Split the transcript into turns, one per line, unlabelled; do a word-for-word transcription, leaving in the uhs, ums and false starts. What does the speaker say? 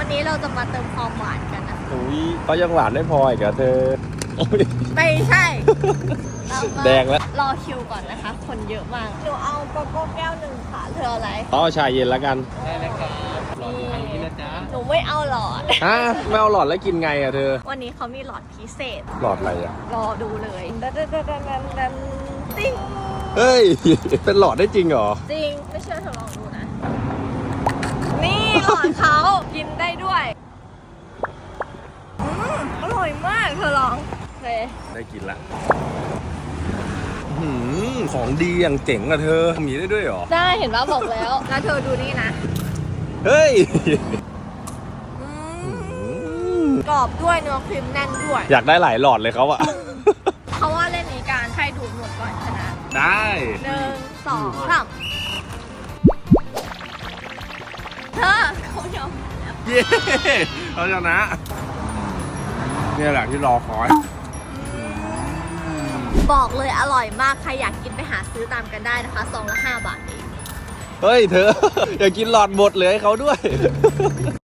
วันนี้เราจะมาเติมความหวานกันนะ
อุ้ยเขายังหวานไม่พออีกเหรอเธอโอ้ย
ไม่ใช่ เรามา
แดงแล้ว
รอคิวก่อนนะคะ คนเยอะมากหนูเอาโกโก้แก้วหนึ่งค่ะเธอเอาอะไร
เอาชาเย็นแล้วกัน
ได้เลยครับรออยู่ทางนี้นะจ๊ะ
หนูไม่เอาหลอด
ฮะไม่เอาหลอดแล้วกินไงอ่ะเธอ
วันนี้เขามีหลอดพิเศษ
หลอดอะไรอ่ะ
รอดูเลยดันดันดันดันดันดันติ้ง
เฮ้ย เป็นหลอดได้จริงเหรอ
จริง ไม่เชื่อเธอลองดูนะ นี่หลอดเขากินได้ด้วยอืมอร่อยมากเธอลองเลย
ได้กินละหืมของดีอย่างเจ๋งอะเธอมีได้ด้วยเหรอ
ได้เห็นว่าบอกแล้ว แล้วเธอดูนี่นะ
เฮ้ย
อืมกรอบด้วยเนื้อครีมแน่นด้วย
อยากได้หลายหลอดเลยเขาอะ
เขาว่าเล่นนี้การใครดูดหมดก่อนชนะ
ได้
หนึ่งสองสามเธอเขายอมแล้ว
เย้เราชนะเนี่ยแหละที่รอคอย
บอกเลยอร่อยมาก ใครอยากกินไปหาซื้อตามกันได้นะคะซองละห้าบาทเอง
เฮ้ยเธอ อย่ากินหลอดหมดเลยให้เขาด้วย